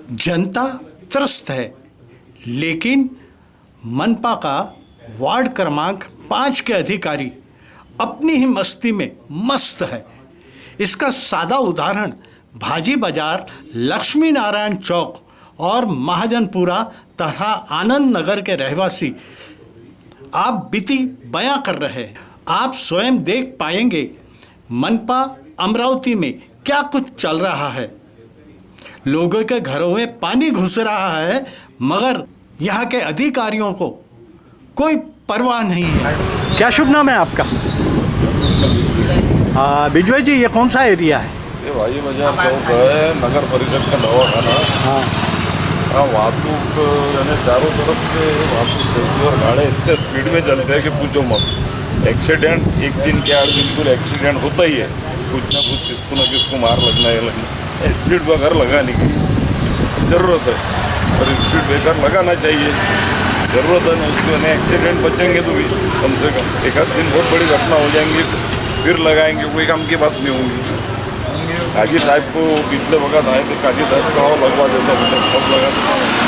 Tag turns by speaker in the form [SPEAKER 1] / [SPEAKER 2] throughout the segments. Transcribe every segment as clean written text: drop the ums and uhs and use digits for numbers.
[SPEAKER 1] जनता त्रस्त है, लेकिन मनपा का वार्ड क्रमांक 5 के अधिकारी अपनी ही मस्ती में मस्त है। इसका सादा उदाहरण भाजी बाजार, लक्ष्मी नारायण चौक और महाजनपुरा तथा आनंद नगर के रहवासी आप बीती बयां कर रहे हैं। आप स्वयं देख पाएंगे मनपा अमरावती में क्या कुछ चल रहा है। लोगों के घरों में पानी घुस रहा है, मगर यहाँ के अधिकारियों को कोई परवाह नहीं है। क्या शुभ नाम है आपका? बिजय जी, ये कौन सा एरिया है?
[SPEAKER 2] ये भाजी बाजार चौक है, नगर परिषद का दवाखाना। हाँ, वाहतूक यानी चारों तरफ से वाहतूक चलती है और गाड़े इतने स्पीड में चलते हैं कि पूछो मत। एक्सीडेंट एक दिन के 8 दिन पूरे एक्सीडेंट होता ही है, कुछ ना कुछ किसको न किसको मार लगना है लगना। स्पीड ब्रेकर लगाने की ज़रूरत है और स्पीड ब्रेकर लगाना चाहिए, ज़रूरत है ना उसको। नहीं एक्सीडेंट बचेंगे तो भी कम से कम एक आध दिन बहुत बड़ी घटना हो जाएंगी, फिर लगाएंगे, कोई काम की बात नहीं होगी। काजी साहब को पिछले वक्त आए थे, काजी साहब का लगवा देता सब लगा देता।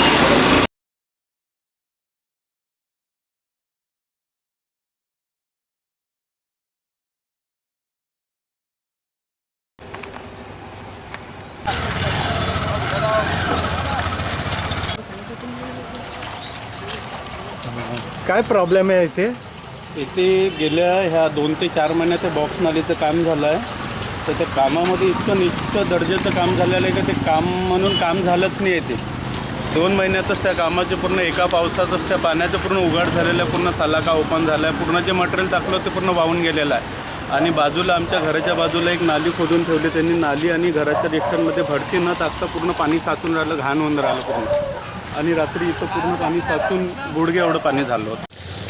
[SPEAKER 1] काय प्रॉब्लेम आहे इथे?
[SPEAKER 3] इथे गेल्या ह्या 2 ते 4 महिन्याचं बॉक्स नालीचं काम झालं आहे. तर त्या कामामध्ये इतकं निश्चित दर्जाचं काम झालेलं आहे की ते काम म्हणून काम झालंच नाही आहे. ते 2 महिन्यातच त्या कामाचे पूर्ण एका पावसातच त्या पाण्याचं पूर्ण उघाड झालेलं आहे, पूर्ण सलाका ओपन झाला आहे, पूर्ण जे मटेरियल टाकलं ते पूर्ण वाहून गेलेलं आहे. आणि बाजूला आमच्या घराच्या बाजूला एक नाली खोदून ठेवली त्यांनी. नाली आणि घराच्या डिस्टन्समध्ये भरती न टाकता पूर्ण पाणी साचून राहिलं, घाण होऊन राहिलं पूर्ण. आणि रात्री इथं पूर्ण पाणी साचून गुडघे एवढं पाणी झालं होतं.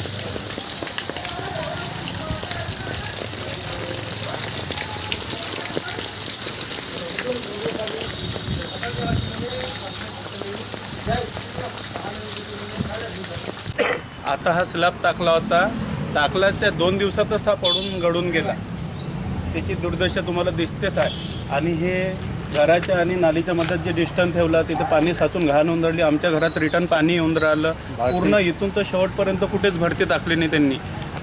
[SPEAKER 3] आता हा स्लॅब टाकला होता, टाकल्याच्या 2 दिवसातच हा पडून गळून गेला. त्याची दुर्दशा तुम्हाला दिसतेच आहे. आणि हे घराच्या आणि नालीच्या मध्ये जे डिस्टन्स ठेवला तिथे पाणी साचून घाण होऊन राहिली. आमच्या घरात रिटर्न पाणी येऊन राहिलं पूर्ण. इथून तर शेवटपर्यंत कुठेच भरती टाकली नाही त्यांनी.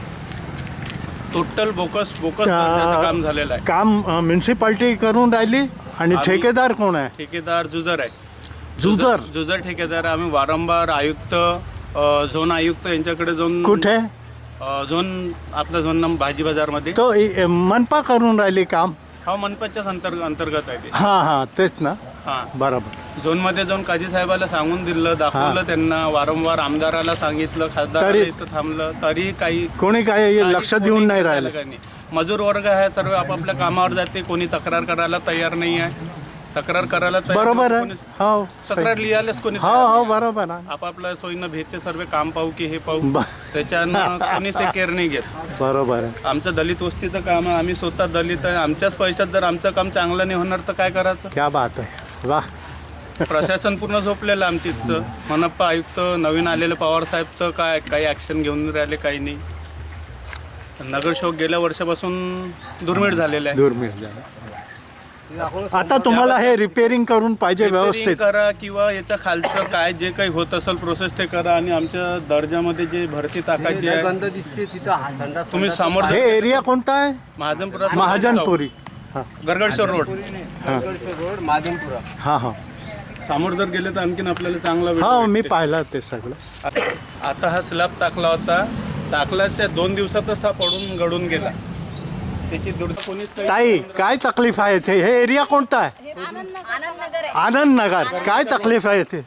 [SPEAKER 3] टोटल बोकस काम झालेलं आहे.
[SPEAKER 1] काम म्युन्सिपाल्टी करून राहिली आणि ठेकेदार कोण आहे?
[SPEAKER 3] ठेकेदार जुजर आहे. जुजर ठेकेदार. आम्ही वारंवार आयुक्त, झोन आयुक्त यांच्याकडे जाऊन.
[SPEAKER 1] कुठे?
[SPEAKER 3] झोन आपला झोन भाजी बाजारमध्ये.
[SPEAKER 1] तो मनपा करून राहिली काम?
[SPEAKER 3] हा, मनपाच्याच अंतर्गत आहे ते.
[SPEAKER 1] हां, तेच ना.
[SPEAKER 3] हां,
[SPEAKER 1] बरोबर.
[SPEAKER 3] झोनमध्ये जाऊन काजी साहेबाला सांगून दिलं, दाखवलं त्यांना. वारंवार आमदाराला सांगितलं, खासदार इथं थांबलं, तरी
[SPEAKER 1] कोणी काही लक्ष देऊन नाही राहिलं.
[SPEAKER 3] मजूर वर्ग आहे सर्व आपापल्या कामावर जाते. कोणी तक्रार करायला तयार नाही आहे. तक्रार करायला
[SPEAKER 1] बरोबर आहे. हो,
[SPEAKER 3] तक्रार लिहायलाच कोणी
[SPEAKER 1] हो बरोबर आहे.
[SPEAKER 3] आपापल्या सोयीनं भेटते सर्व. काम पाहू की हे पाहू, त्याच्यानं कोणीच केअर नाही घेत.
[SPEAKER 1] बरोबर आहे.
[SPEAKER 3] आमचं दलित वस्तीचं काम आहे, आम्ही स्वतः दलित आहे. आमच्याच पैशात जर आमचं काम चांगलं नाही होणार तर काय करायचं?
[SPEAKER 1] क्या बात आहे, वा.
[SPEAKER 3] प्रशासन पूर्ण झोपलेलं आमच्या इथचं. मनपा आयुक्त नवीन आलेलं पवार साहेब तर काही ॲक्शन घेऊन राहिले, काही नाही. नगरसेवक गेल्या वर्षापासून दुर्मिळ झालेलं आहे.
[SPEAKER 1] दुर्मिळ झालं. आता तुम्हाला हे रिपेअरिंग करून पाहिजे, व्यवस्थित
[SPEAKER 3] करा किंवा याच्या खालचं काय जे काही होत असेल प्रोसेस ते करा. आणि आमच्या दर्जामध्ये जे भरती टाकायची आहे
[SPEAKER 4] दिसते तिथं
[SPEAKER 3] तुम्ही समोर.
[SPEAKER 1] हे एरिया कोणता आहे? महाजनपुरी,
[SPEAKER 3] गरगडशोर रोड,
[SPEAKER 4] महाजनपुरा.
[SPEAKER 1] हां.
[SPEAKER 3] समोर जर गेले तर आणखीन आपल्याला चांगला.
[SPEAKER 1] हो, मी पाहिलं ते सगळं.
[SPEAKER 3] आता हा स्लॅब टाकला होता, टाकल्याच्या 2 दिवसातच हा पडून गळून गेला. त्याची
[SPEAKER 1] ताई, काय तकलीफ आहे इथे? हे एरिया कोणता आहे? आनंद नगर. काय तकलीफ आहे इथे?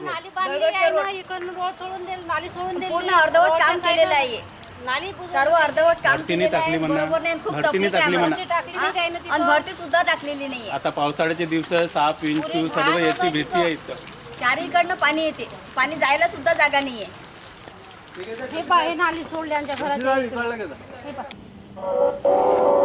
[SPEAKER 5] अर्धवट काम केलेलं आहे. सर्व अर्धवट काम
[SPEAKER 3] भरतीने टाकली म्हणा,
[SPEAKER 5] आणि भरती सुद्धा टाकलेली नाही.
[SPEAKER 3] आता पावसाळ्याचे दिवस, साप, विंचू सर्व याची भीती आहे इथं.
[SPEAKER 5] चारीकडनं पाणी येते, पाणी जायला सुद्धा जागा नाहीये.
[SPEAKER 6] हे नाली सोडले आमच्या घरात.